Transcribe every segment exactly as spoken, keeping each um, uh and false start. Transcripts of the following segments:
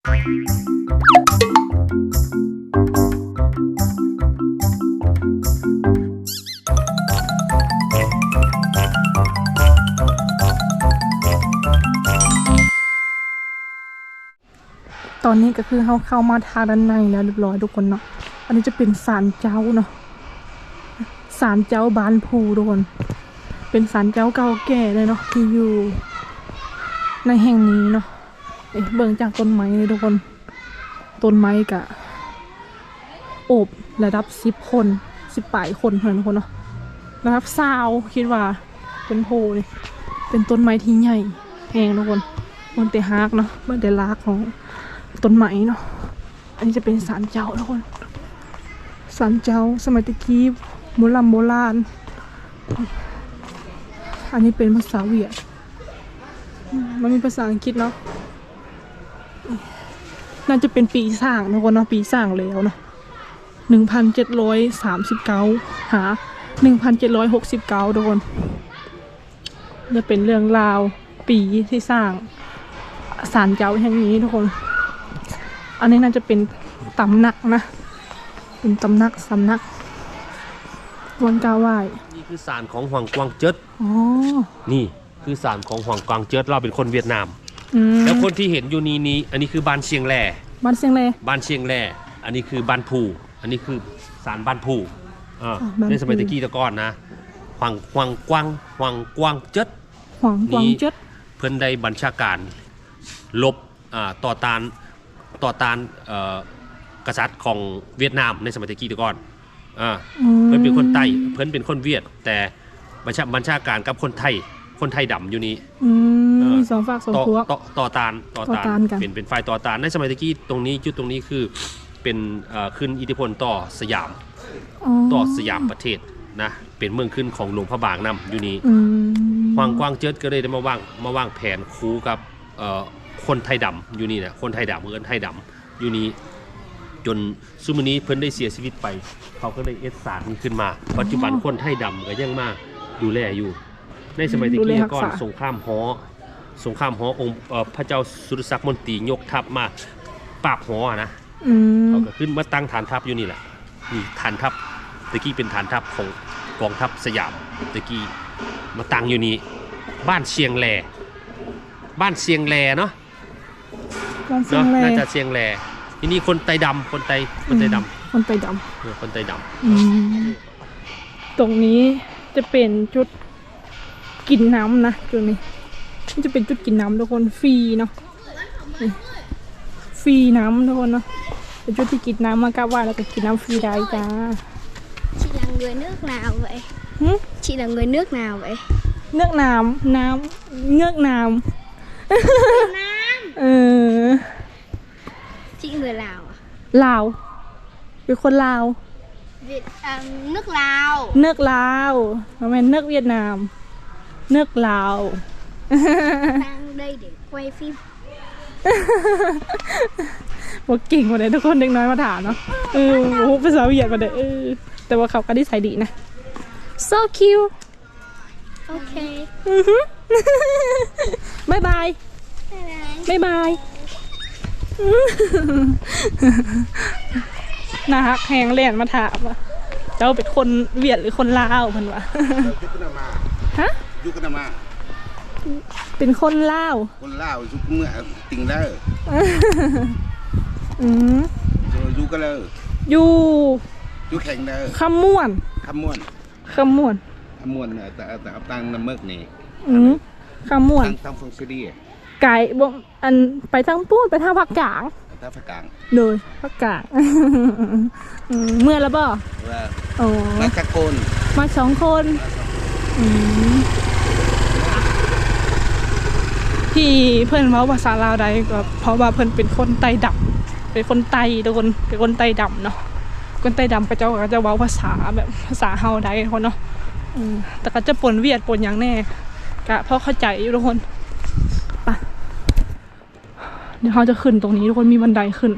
ตอนนี้ก็คือเขาเข้ามาทางด้านในแล้วเรียบร้อยทุกคนเนาะอันนี้จะเป็นศาลเจ้าเนาะศาลเจ้าบ้านภูทุกคนเป็นศาลเจ้าเก่าแก่เลยเนาะที่อยู่ในแห่งนี้เนาะเอ๊ะเบิ่งจากต้นไม้เลยทุกคนต้นไม้กะโอบระดับสิบคนสิบปลายคนเท่านั้นทุกคนเนาะระดับซาวคิดว่าเป็นโพเลยเป็นต้นไม้ที่ใหญ่แพงทุกคนบนเตะฮากเนาะบนเตะลากของต้นไม้เนาะอันนี้จะเป็นศาลเจ้าทุกคนศาลเจ้าสมัยตะกี้โบราณโบราณอันนี้เป็นภาษาเวียดมันมีภาษาอังกฤษเนาะน่าจะเป็นปีสร้างทุกคนเนาะปีสร้างแล้วเนาะหนึ่งพันเจ็ดร้อยสามสิบเก้าหาหนึ่งพันเจ็ดร้อยหกสิบเก้าทุกคนจะเป็นเรื่องราวปีที่สร้างศาลเจ้าแห่งนี้ทุกคนอันนี้น่าจะเป็นตำหนักนะเป็นตำหนักสำนักวันกาไหว้นี่คือศาลของหวังกวางเจิดอ๋อนี่คือศาลของหวังกวางเจิดเราเป็นคนเวียดนามแล้วคนที่เห็นอยู่นี้นี้อันนี้คือบ้านเชียงแหล่บ้านเชียงแหล่บ้านเชียงแหล่อันนี้คือบ้านภูอันนี้คือศาลบ้านภูอ่าในสมัยตะกี้ตะก้อนนะหวังหวังกวางหวังกวางเจิดหวังกวางเจิดเพิ่นได้บัญชาการลบอ่าต่อต้านต่อต้านกษัตริย์ของเวียดนามในสมัยตะกี้ตะก่อนอ่าเพิ่นเป็นคนไต้เพิ่นเป็นคนเวียดแต่บัญชาบัญชาการกับคนไทยคนไทยดำอยู่นี้มีสองฝากสองพวกต่อต่อต้านต่อต้านเป็นเป็นฝ่ายต่อต้านในสมัยตะกี้ตรงนี้จุดตรงนี้คือเป็นขึ้นอิทธิพลต่อสยามต่อสยามประเทศนะเป็นเมืองขึ้นของหลวงพระบางนำอยู่นี้หวังกวางเจิดก็เลยได้มาวางมาวางแผนคู่กับคนไทยดำอยู่นี่นะคนไทยดำเมืองไทยดำอยู่นี้จนซุมื้อนี้เพิ่นได้เสียชีวิตไปเขาก็เลยเอสศาลนี้ขึ้นมาปัจจุบันคนไทยดำก็ยังมาดูแลอยู่ในสมัยตะกี้ก่อนสงครามฮ้อสงครามฮ้อองค์พระเจ้าสุรศักดิ์มนตรียกทัพมาปราบฮ้อนะเขาก็ขึ้นมาตั้งฐานทัพอยู่นี่แหละนี่ฐานทัพตะกี้เป็นฐานทัพของกองทัพสยามตะกี้มาตั้งอยู่นี่บ้านเชียงแหล่บ้านเชียงแหล่เนาะเนาะน่าจะเชียงแหล่ที่นี่คนไตดำคนไตคนไตดำคนไตดำคนไตดำตรงนี้จะเป็นจุดกินน้ำนะจุดนี้นี่จะเป็นจุดกินน้ำทุกคนฟรีเนาะฟรีน้ำทุกคนเนาะเป็นจุดที่กินน้ำมากราบไหว้แล้วก็กินน้ำฟรีได้จ้า Chị là người nước nào vậy? Hử? Chị là người nước nào vậy? Nước Nam, Nam, nước Nam. Việt Nam. Ừ. Chị người Lào à? Lào.เป็นคนลาว Việt à, nước Lào. Nước Lào. Không phải nước Việt Nam. Nước Lào. Sang đây để quay phim. ว่าเก่งกว่านี้ทุกคนเด็กน้อยมาถามเนาะเออโอ้ภาษาเวียดมาเด้อเออแต่ว่าเขาก็ได้ใส่ดีนะ so cute โอเคบายบายบายบายนะฮะแหงเล่นมาถามว่าเจ้าเป็นคนเวียดหรือคนลาวเพิ่นวะฮะยุคนามาเป็นคนลาวคนลาวยุคเมื่อติงเลอร์อืมยุคก็เลยอยู่ยุคแข่งเด้อคำม่วนคำม่วนคำม่วนคำม่วนแต่แต่เอาตังน้ำเมือกนี่อืมคำม่วนตั้งฟงซีดีไก่บ่อันไปทางปูนไปทางภาคกลางทางภาคกลางเลยภาคกลางเมื่อแล้วบ่โอ้มาจากคนมาสองคนที่เพื่อนเว้าภาษาลาวได้ก็เพราะว่าเพื่อนเป็นคนไต้ดำเป็นคนไต้ทุกคนเป็นคนไต้ดำเนาะคนไต้ดำก็จะก็จะเว้าภาษาแบบภาษาเฮาได้คนเนาะแต่ก็จะปนเวียดปนอย่างแน่ก็เพราะเข้าใจอยู่ทุกคนไปเดี๋ยวเขาจะขึ้นตรงนี้ทุกคนมีบันไดขึ้น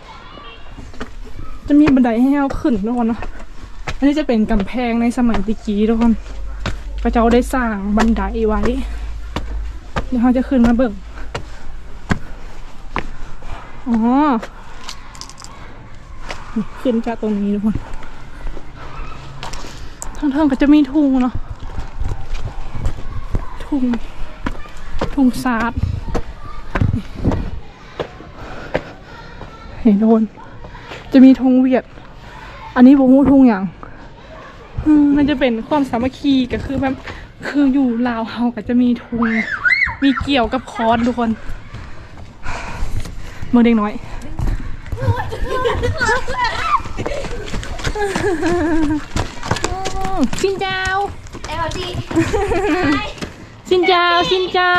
จะมีบันไดให้เราขึ้นทุกคนเนาะอันนี้จะเป็นกำแพงในสมัยตะกี้ทุกคนพระเจ้าได้สร้างบันไดไว้เดี๋ยวเขาจะขึ้นมาเบิ่งอ๋อนี่ขึ้นจากตรงนี้ทุกคนทางเทิงก็จะมีทุ่งเนาะทุ่งทุ่งซาดเห็นโดนจะมีธงเวียดอันนี้บ่ฮู้ธงอย่างอืมมันจะเป็นความสามัคคีก็คือแบบคืออยู่ลาวเฮาก็จะมีธงมีเกี่ยวกับคอนทุกคนเมื่อเด็กน้อยชินเจ้า Em đi. ชินเจ้าชินเจ้า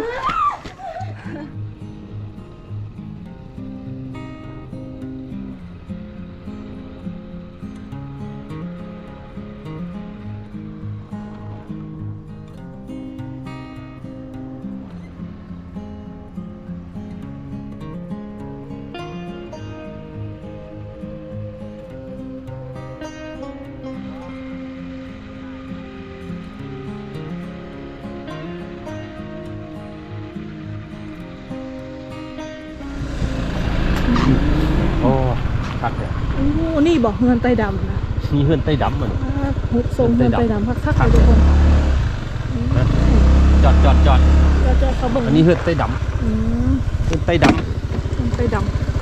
โอ้คักเลยโอ้นี่บอกเงินไตดำนะมีเฮือนใต้ดำมันหุบทรงเงินไตดำคักๆเลยทุกคนนะจอดจอดจอดจะเจอเขาเบิ่งอันนี้เฮือนใต้ดอืมำเฮือนใต้ดเงินไตด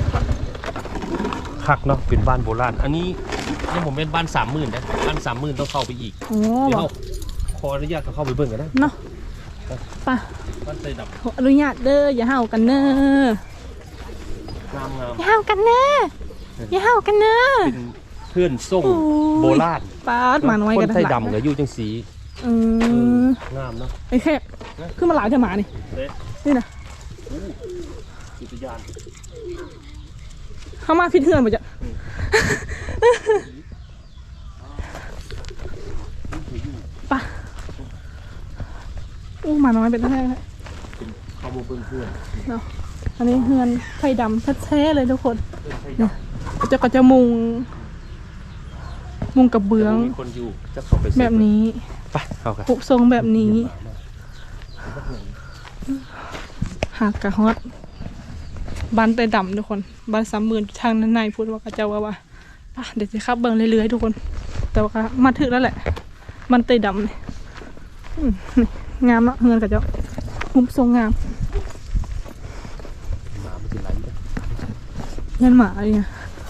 ำคักเนาะเป็นบ้านโบราณอันนี้นี่ผมเป็นบ้านสามหมื่นนะบ้านสามหมื่นต้องเข้าไปอีกำโอ้เดี๋ยวบอกเราขออนุญาตเขาเข้าไปเบิ่งกันนะเนาะไป่ะบ้านใต้ดขออนุญาตเด้ออย่าเห่ากันเน้อำงามงามอย่าเห่ากันเน้ออย่าเห่ากันเน้อเป็นเพื่อนส่งโอ้ยโบราณป้าดหมาน้อยคกันนใต้ดำกับยู่จังสีอืมงามเนาะไอ้แค่ขึ้นมาหลายเท่าหมานี่เด้นี่นะอุทยานเข้ามาพิดเทือนหมดจ้ะป่ะอู้หมาน้อยเป็นแท้เป็นข้าวโมเบิ้งเพื่อนเนาะอันนี้เฮือนไฟดำแท้ๆเลยทุกคนเพื่อนใต้ดจะก็จะมุง มุงกับำเบื้องมีคนอยู่จะเข้าไปแบบนี้ไปเข้ากันปุกทรงแบบนี้ หากกะฮอตบ้านไตดำทุกคนบ้านสามหมื่นทางนั้นในพูดว่ากระเจ้าว่าว่าป่ะเดี๋ยวจะขับเบิ้งเรื่อยๆทุกคน แต่ว่าก็มาถึงแล้วแหละบ้านไตดำนี่อืมนี่งามเนาะเงินกระเจ้ามุมทรงงามมาไม่ถึงไรเลยเงินหมาอะไรเนี่ย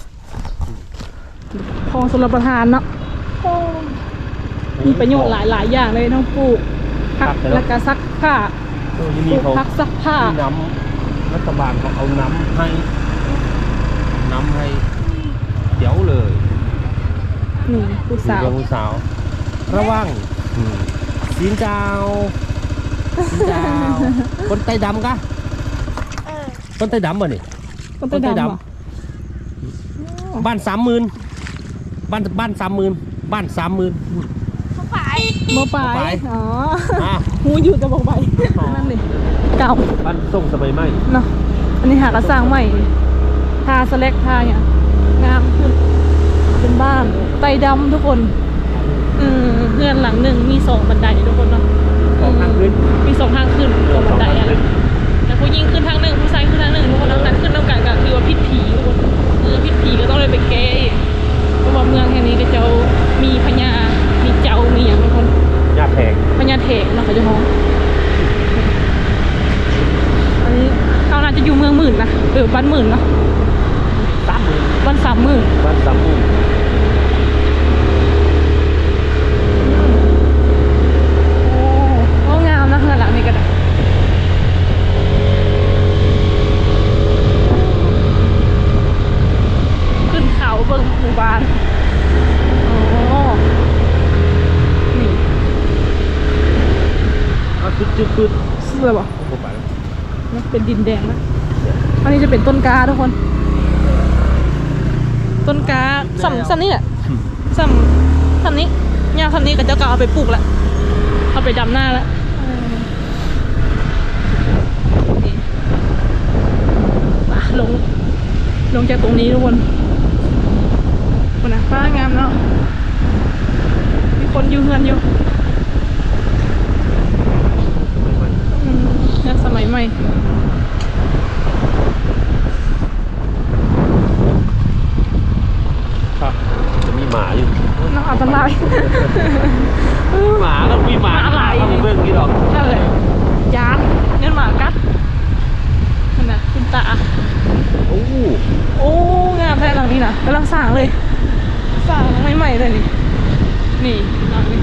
พอสำหรับประทานเนาะโอ้มีประโยชน์หลายๆอย่างเลยทั้งปลูกผักและก็ซักผ้าเออยังปมีลูกเขาผักซักผ้ามีน้ำรัฐบาลเขาเอาน้ำให้น้ำให้เดี๋ยวเลยนี่ผู้สาวเรื่องผู้สาว ระวังอืมสินเจ้าสินเจ้าคนไต้ดำกะ Ờ. คนไต้ดำบ่นี่คนไตดำเหรอบ้านสามหมื่นบ้านบ้านสามหมื่นบ้านสามหมื่น Không phải. โมไปบ่ไปอ๋ออ่ะหูอยู่แต่บอกไปอ๋อนั่นเลยเก่าบ้านส่งสมัยใหม่เนาะอันนี้หากระสร้างใหม่ทาสแลกทาเนี่ยงามขึ้นเป็นบ้านไตดำทุกคน อืมเพื่อนหลังหนึ่งมีสองบันไดทุกคนเนาะสองทางขึ้นมีสองทางขึ้นสองบันไดอะไรแต่ผู้หญิงขึ้นทางหนึ่งผู้ชายขึ้นทางหนึ่งทุกคนแล้วนั้นขึ้นน้ำกันก็คือว่าพิษผีทุกคนเออพิษผีก็ต้องเลยไปแก้อีกเพราะว่าเมืองแห่งนี้ก็จะมีพญามีเจ้ามีอย่างทุกคนญาติแพงพญาเถกเนาะเขาจะฮ้องอันนี้เขาน่าจะอยู่เมืองหมื่นนะเออบ้านหมื่นเนาะสามหมื่นบ้านสามหมื่นบ้านสามหมื่นโอ้โอ้งามนะเฮือนหลังนี้ก็ได้ขึ้นเขาเบิ่งหมู่บ้านอ๋อนี่อ่ะจุดจุดจุดเสื้อบ่ผมไปแล้วเป็นดินแดงนะอันนี้จะเป็นต้นกาทุกคน ต้นกาสัมสัมนี่แหละสัมสัมนี้ยาวสัมนี้ก็จะก็เอาไปปลูกละเอาไปดำหน้าละนี่ป่ะลง ลงจากตรงนี้ทุกคนคนนะฟ้างามเนาะมีคนอยู่เฮือนอยู่อืมเนี่ยสมัยใหม่โอ้โอ้งามแท้หลังนี้นะกำลังสร้างเลยสร้างใหม่ๆเลยนี่นี่หลังนี้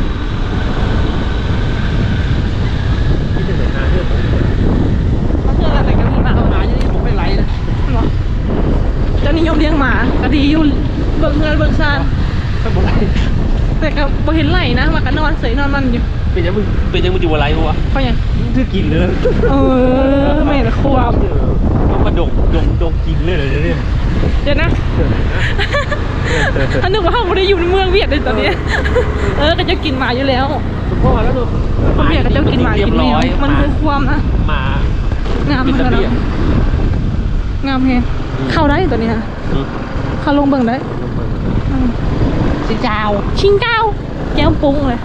ที่จะเห็นหน้าเรื่องผมมาเพื่อนอะไรกันหมาหมาอย่างนี้ผมไม่ไล่นะเหรอเจ้านิยมเลี้ยงหมาก็ดีอยู่เบิ่งเงินเบิ่งซานข้างบนไรแต่ก็บ่เห็นไหลนะมากันนอนเสยนอนมันอยู่เป็นยังมึงเป็นยังมึงอยู่อะไรวะเขาอย่างคือกินเลยเออแม่ละควบต้องมาดกดกดกกินเลยเลยเนี่ยเดี๋ยวนะอันนึกว่าเขาไม่ได้อยู่ในเมืองเวียดเลยตอนนี้เออก็จะกินหมาอยู่แล้วพ่อแล้วดูคนเวียดก็จะกินหมากินแมวมันคือความนะหมางามเหมือนกันนะงามแฮงเข้าได้ตัวนี้นะเข้าลงเบิ่งได้ชิงเจ้าชิงเจ้าแก้วปุ้งเลย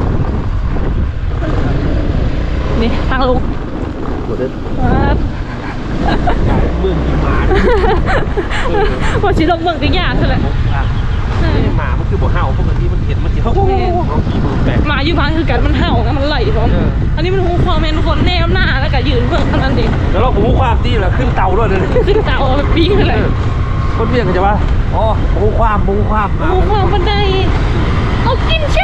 นี่ทางลงหมดเลยครับเมืองกินหมาว่าชิลงเมืองติยาใช่ไหมหมามันคือบ่เห่าปกติมันเห็นมันจะเห่าเรากินมันแปลกหมาอยู่บ้านคือกันมันเห่านะมันไหลพร้อมอันนี้มันหูความเป็นคนแนมหน้าแล้วก็ยืนเบิ่งเท่านั้นเองแล้วเราหูความที่ละขึ้นเตาด้วยเลยขึ้นเตาเอาไปปิ้งเลยคนเวียนเขาจะว่าอ๋อหูความหูความหูความบันไดเอากินใช่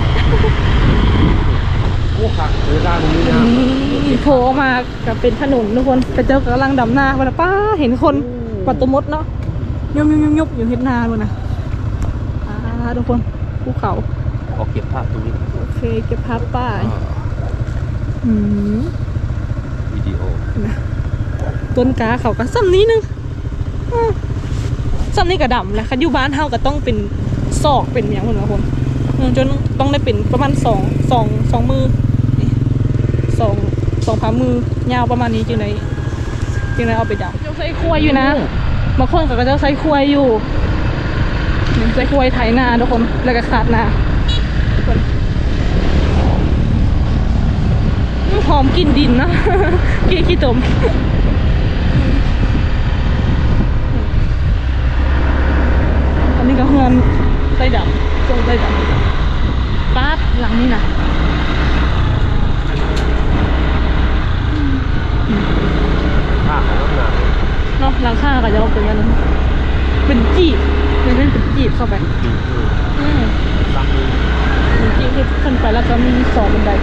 โอ้ขักเวลาตรงนี้นะนี่โผล่ออกมากับเป็นถนนทุกคนแต่เจ้ากำลังดำนาวันป้าเห็นคนปัดตัวมดเนาะยบยบยบยบอยู่เฮ็ดนาเลยนะอ่าทุกคนภูเขาขอเก็บภาพตรงนี้โอเคเก็บภาพป้ายอืมวิดีโอนะต้นกาเขาก็ซ้ำนี้นึงอืมซ้ำนี้ก็ดำแหละคันอยู่บ้านเฮาก็ต้องเป็นศอกเป็นอย่างเหมือนกันคนอืมจนต้องได้เป็นประมาณสองสองสองมือนี่สองสองฝ่ามือยาวประมาณนี้จึงได้จึงได้เอาไปดำเจ้าใส่ควายอยู่นะบางคนก็จะใส่ควายอยู่นี่ใส่ควายไถนาทุกคนแล้วก็ขาดนาทุกคนอืมหอมกลิ่นดินนะ กี่ขี้ตมอันนี้ก็เฮือนไต้ดำทรงไต้ดำป้าดหลังนี้นะภาพของน้ำหนักเนาะหลังคาก็จะลงเป็นกันนั้นเป็นจีบเป็นเป็นจีบเข้าไปอืมซ้ำมือเป็นจีบที่ขึ้นไปแล้วก็มีสองบันได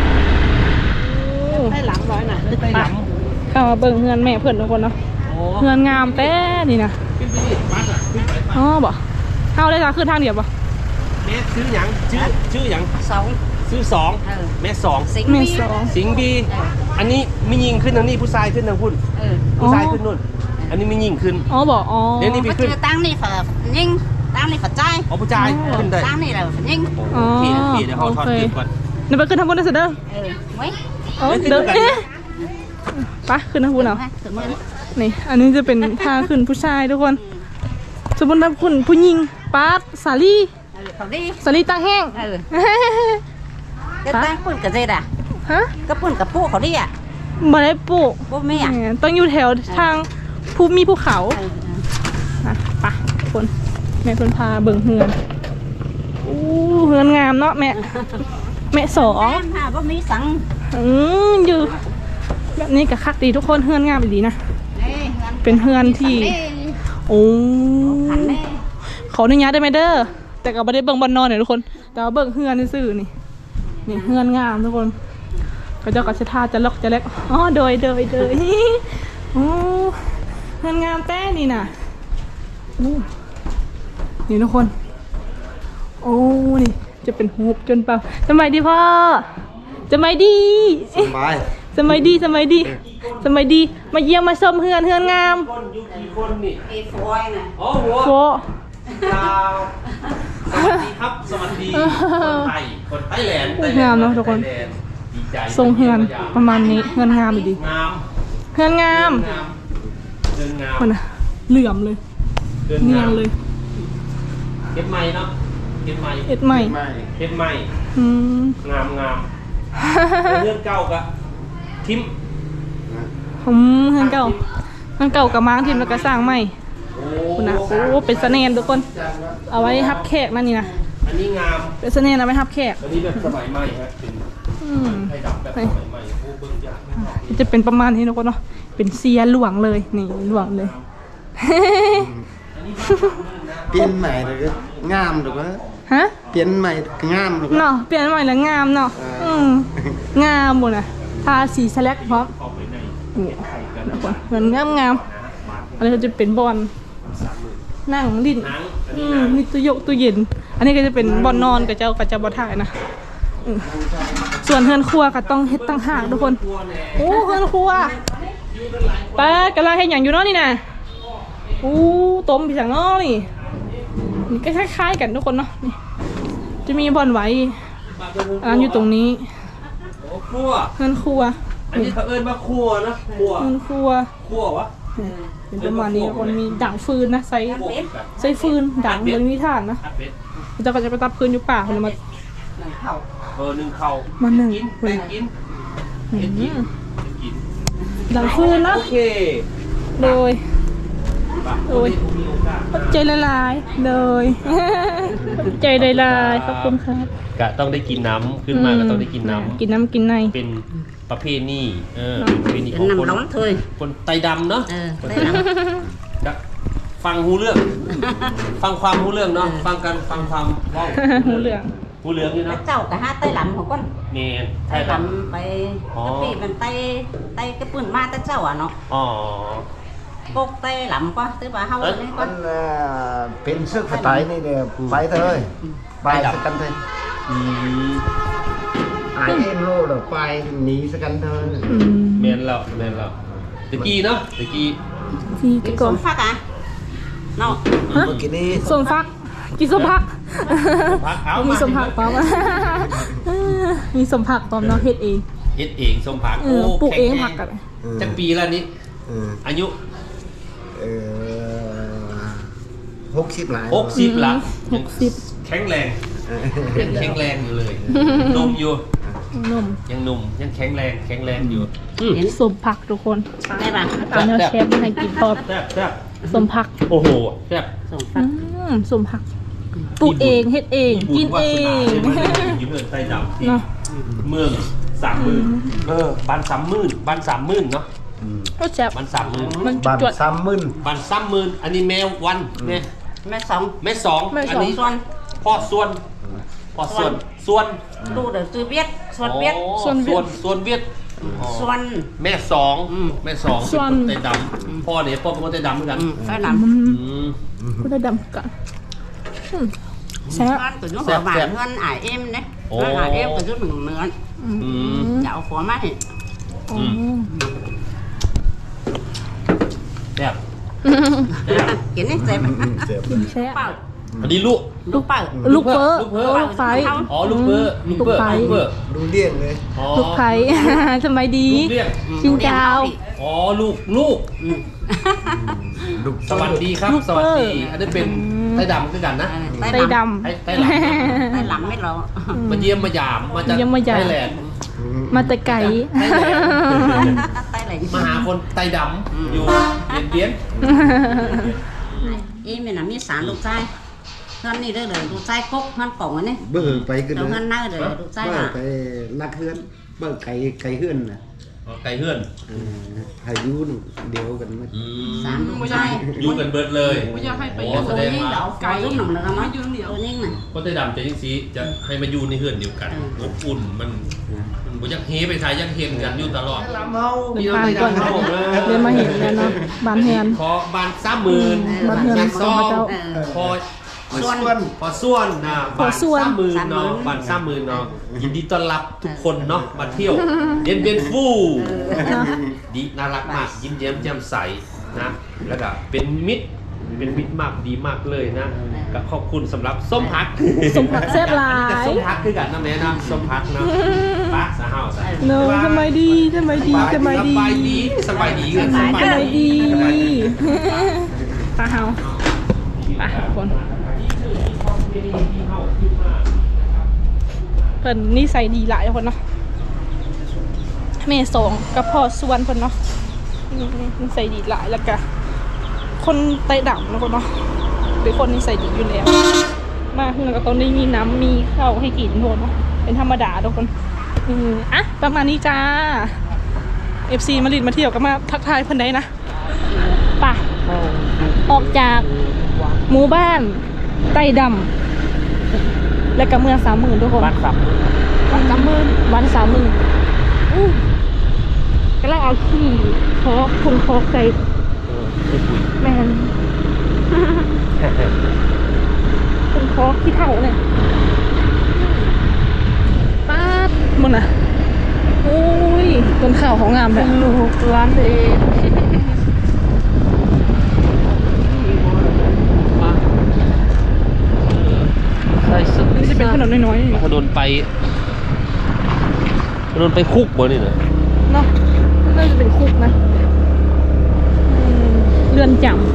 ได้หลังร้อยน่ะไปหลังเข้ามาเบิ่งเฮือนแม่เพื่อนทุกคนเนาะโอ้เฮือนงามแต่นี่นะขึ้นไปดิบัสอ่ะขึ้นไปอ๋อบ่เข้าได้จ้ะคือทางเดียวบ่เมสซื้อหยังชื่อชื่อหยังสองซื้อสองเออเมสสองสิงเมห์สองสิงห์บีเอออันนี้ไม่ยิงขึ้นทางนี้ผู้ชายขึ้นทางพุ่นเออผู้ชายขึ้นนู่น อันนี้ไม่ยิงขึ้นอ๋อบ่อ๋อเดี๋ยวนี้ก็เจอตั้งนี่ฝายิงตั้งนี่ฝาใจอ๋อผู้ชายขึ้นได้ตั้งนี่แหละฝายิงโอเคโอเคเดี๋ยวเขาทอดคลิปก่อนเดี๋ยวไปขึ้นทางบนนะเสยเด้อเออไว้อ๋อเดินเอ๊ะไปขึ้นทางบนเอาถึงมือนี่ อันนี้จะเป็นทางขึ้นผู้ชายทุกคน สมมติว่าคุณผู้หญิงปาร์ตสาลีเออเขาดีสาลีตาแห้งเออก็ตั้งปุ่นกับเจดอ่ะฮะก็ปุ่นกับปูเขาดีอ่ะมาได้ปลูกปูไม่อ่ะแหมต้องอยู่แถวทางภูมีภูเขาเอออ่ะไปทุกคนแม่เพิ่นพาเบิ่งเฮือนอู้เฮือนงามเนาะแม่แม่สองแม่ค่ะก็มีสังอืมอยู่แบบนี้กับคักดีทุกคนเฮือนงามดีนะนี่เป็นเฮือนที่ โอ้ขันแม่ขออนุญาตได้ไหมเด้อแต่ก็ไม่ได้เบิ่งบอลนอนเนี่ยทุกคนแต่ว่าเบิ่งเฮือนซื่อๆนี่นี่เฮือนงามทุกคนก็เจ้าก็จะท่าจะล็อกจะเล็กอ๋อโดยโดยโดย โอ้เฮือนงามแต้นี่น่ะอู้นี่ทุกคน โอ้นี่จะเป็นฮูบจนเปล่าสมัยดีพ่อสมัยดีสบายสมัยดีสมัยดีสมัยดีมาเยี่ยมมาชมเฮือนเฮือนงามคนอยู่กี่คนนี่เอฟอยน่ะอ๋อหัวโฟดาวสวัสดีครับ สวัสดี คนไทย คนไต้แลนด์ไต้แลด์งามเนอะทุกคนไต้แลด์ดีใจทรงเฮือนประมาณนี้เฮือนงามดีงามเฮือนงามงามเดินงามมันน่ะเหลื่อมเลยเดินเนียงาน มเลยเก็บไม้เนาะเก็บไม้เอ็ดใหม่ไม่เก็บไม้อืมงามงามเรื่องเก่ากะทิมผมเฮือนเก่าเฮือนเก่ากับม้างทีมแล้วก็สร้างใหม่โอ้คุณนะโอ้เป็นเสน่ห์ทุกคน เอาไว้ฮับแขกนั่นนี่นะอันนี้งามเป็นเสน่ห์เอาไว้ฮับแขกอันนี้แบบสมัยใหม่ฮะเป็นอืมไทยดำแบบสมัยใหม่โอ้เบิ่งยากไม่ออกจะเป็นประมาณนี้ทุกคนเนาะเป็นเซียหลวงเลยนี่หลวงเลยเปลี่ยนใหม่เลยก็งามถูกไหมฮะเปลี่ยนใหม่ก็งามถูกไหมเนาะเปลี่ยนใหม่แล้วงามเนาะเอออือืมงามหมดอ่ะทาสีสแลกพร้อมนี่เหมือนงามงามๆอันนี้ก็จะเป็นบอลนั่งลิ้นอืมมีตู้ยกตู้เย็น อันนี้ก็จะเป็นบอลนอนกับเจ้ากับเจ้าบอลถ่ายนะอืมส่วนเฮือนครัวก็ต้องเฮ็ดตั้งหากทุกคนโอ้เฮือนครัวป้ากำลังเฮ็ดอย่างอยู่เนาะนี่นะอู้ต้มผีสังเนาะนี่นี่ก็คล้ายๆกันทุกคนเนาะนี่จะมีบอลไว้อันอยู่ตรงนี้ครัวเฮือนครัวอันนี้เขาเอิ้นว่าครัวนะครัวเฮือนครัวครัววะเป็นประมาณนี้ทุกคนมีด่างฟืนนะใส่ใส่ฟืนด่างบนมีถ่านนะอัดเป็ดเจ้าก็จะไปตับฟืนอยู่ป่าคนละมาเออหนึ่งเข่ามาหนึ่งกินคแป้นงกินอืเห็ดกินมเห็ดกินด่างฟืนนะโอเคโดยไปโดยมีโอกาสขอบใจละลายโดยขอบใจละลายขอบคุณครับก็ต้องได้กินน้ำขึ้นมาก็ต้องได้กินน้ำกินน้ำกินในเป็นประเพณีเออเนอะเป็นประเพณีเป็ขอน งคนน้ำร้อนเถยคนไตดำเนาะเออได้น้ก็ฟังหูเรื่อง ฟังความหูเรื่องเนาะฟังกันฟังความเว้าหูเหลืองหูเรื่องนี่ำเนาะเจ้ากับห้าไต้หลำของก้นเมนไต้ไทยหดลำไปอ๋อกะปิมันไต้ไต้กระปุ่นมาไต้เจ้าอ่ะเนาะำอ๋อกกไต้หลำก็ตื้อว่าเฮาอันนี้ก็มันเอ่อเป็นซึกสไตล์นี่เดียวไปเถอะเลยไปสักกันเถอะอืมไอเอ็นโลเดี๋ยวไปหนีสักกันเถอะอืมเมนแล้วเมนแล้วตะกี้เนาะตะกี้ที่กิตะนกสอนมฟักอ่ะเนาะฮะเมื่อกี้นี้สมพักกินสมพักพักเอามีสมผักพร้อม มีสมผักพร้อมเนาะเฮ็ดเองเฮ็ดเองส้มผักเออปลูกเองแข็ผักกันจักปีแล้วนี่เอออายุเออหกสิบหลายหกสิบละหกสิบแข็งแรงยังแข็งแรงอยู่เลยหนุ่มอยู่นมยังหนุ่มยังแข็งแรงแข็งแรงอยู่เห็นสมผักทุกคนได้ป่ะตอนนี้เชฟให้กินพร้อมแซ่บแซ่บสมผักโอ้โหแซ่บสมฟัอืกมสมผักปลูกเองเฮ็ดเองกินเองอยู่เมืองไต้ดำที่เนาะเมืองสามหมื่นเออบ้านสามหมื่นบ้านสามหมื่นเนาะก็แซ่บบ้านสามหมื่นมันบ้านจวดซ้ำมึนบ้านสามหมื่นอันนี้แมววันแม่แม่สองแม่สองแม่สองอันนี้ส่วนพ่อส่วนพ่อส่วนส่วนดูเดี๋ยวซื้อเวียดส่วนเวียดอ๋อส่วนเวีส่ยวดนส่วนเวียดอ๋อส่วนแม่สองอืมแม่สองส่วนเป็นคนไต้ดำพ่อเนี่ยพ่อเป็นคนไต้ดำเหมือนกันอืมไต้หลอืมอืมก็ได้ดำกันอืมำแซ่บเงินตัวนู้นหัวหวานเงินอ่ายเอ็มเนี่ยโอ้เงินอ่ายเอ็มตัวนู้นหนึ่งเนื้ออืมอืมจะเอาหัวมาให้อืมแซ่บกินนี่เจ็บเจ็บกินแซ่บเปล่าอันนี้ลูกลูกเปล่าลูกเปอร์ลูกเปอร์ลูกไฟอ๋อลูกเปอร์ลูกเปอร์ลูกไฟลูกเปอร์ดูเลี่ยงเลยอ๋อลูกไผ่ สมัยดีลูกเลี้ยงชิงดาวอ๋อลูกลูกอืมลูกสวัสดีครับลูกสเปวัอสร์ดีอันนี้เป็นไต้ดำคือกันนะไต้ไตดดไต้ไต้หลังำไต้หลำไม่รอมาเยี่ยมมายามมาจากเยี่ยมมายามไต้แลนด์ำมาแต่ไก่ไต้ไหลมาหาคนไต้ดำอยู่เบียนเบียนอีมีน่ะมีสารลูกชายเงินนี่ได้เลยลูกชายกกเงินกล่องอันนี้เบิ่งไปกันเดี๋ยวเงินหน้าเลยลูกชายเบิ่งอ่ะไปนักเฮือนเบิ่งไก่ไก่เฮือนน่ะอ๋อไก่เฮือนเออให้อยู่เดียวกันมั้ยอืมสามลูกชายอยู่กันเบิดเลยไม่อยากให้ไปโอ้อยู่แสตัวดงนี้ว่าเดี๋ยวเอาไก่ลูกหนุ่มเลยนะยืนเดียวตัวนี้น่ะคนไต้ดำจะยิ่งซีจะให้มาอยู่ในเฮือนเดียวกันอบอุ่นมันมันบ่อยักเฮไปทายยักเฮมกันอยู่ตลอดเป็นบ้านก่อนเรียนมาเห็นแล้วเนาะบ้านเฮือนขอบ้านสามหมื่นบ้านเฮือนงานขซององพระเจ้าพอส่วนพอส่วนนะพอส่วนบ้านสามหมื่นเนาะสามหมื่นบ้านสามหมื่นเนาะยินดีต้อนรับทุกคนเนาะมาเที่ยวเย็นเป็นฟู่ดีน่ารักมากยิ้มแย้มแจ่มใสนะแล้วก็เป็นมิตรเป็นมิตรมากดีมากเลยนะก็ขอบคุณสำหรับส้มพักส้มผักแซ่บหลายอันนี้ก็ส้มพักคือกันนะแม่นะส้มพักนะป้าสาหาวสาเนอะสมัยดีสมัยดีสมัยดีสบายดีสบายดีกันสมัยดีสบายดีตาเฮาไปทุกคนเพิ่นนิสัยดีหลายทุกคนเนาะแม่สองกับพ่อส่วนเพิ่นเนาะนิสัยดีหลายแล้วก็คนไต้ดำนะคนเนาะเป็นคนนิสัยดีอยู่แล้วมาเฮือนก็ต้องได้มีน้ำมีข้าวให้กินทุกคนเนาะเป็นธรรมดาทุกคนอืออ่ะประมาณนี้จ้าเอฟซีมาลิดมาเที่ยวก็มาทักทายเพิ่นได้นะป่ะออกจากหมู่บ้านใต้ดำและก็เมืองสามหมื่นทุกคนบ้านสับวันสามหมื่นวันสามหมื่นอู้กำลังเอาขี้คอกคนคอกใส่เออคือปุ๋ยแมนคนคอกขี้เท่าเนี่ยป๊าดมึงน่ะโอ้ยต้นข่าวของงามเลยลูกร้านเองใส่สุดนี่จะเป็นถนนน้อยๆนี่ถนนไปถนนไปคุกบ่นี่นะเนาะน่าจะเป็นคุกนะอืมเรือนจำ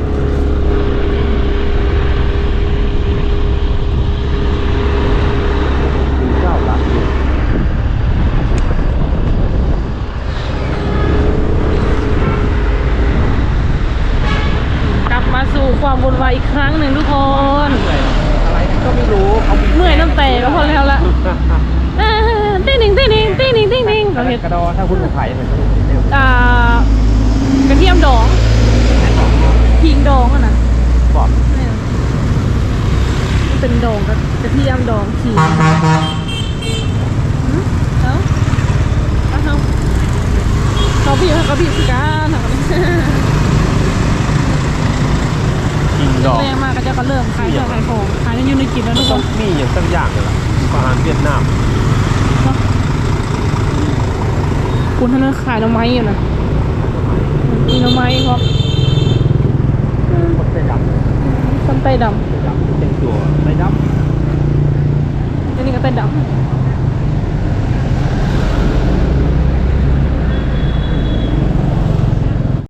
เจ้าละกลับมาสู่ความวุ่นวายอีกครั้งหนึ่งทุกคนอะไรก็ไม่รู้เขาเมื่อยน้ำแต่ก็พอแล้วละอ่าติ้งหนิงติ้งหนิงติ้งหนิงติ้งหนิงเราเห็นกระดอถ้าคุณผู้ไผ่มันอ่ากระเทียมดองขิงดองอะนะบอกนี่นะมันเป็นดองกับกระเทียมดองขิงหืมเอ้าเอาเอาเขาพี่เขาพี่สิการเหรอกินดอกแรงมากก็จะก็เริ่มขายเครื่องขายของขายในยูนิกินแล้วทุกคต้องนมีอย่างสักอย่างเลยล่ะอาหารเวียดนามเนาะคุณท่านนขายหน่อไม้อยู่นะมีหน่อไม้ครับคนไต้ดำต้นไต้ดไต้ดำเป็นตัวไต้ดำอันนี้ก็ไต้ดำ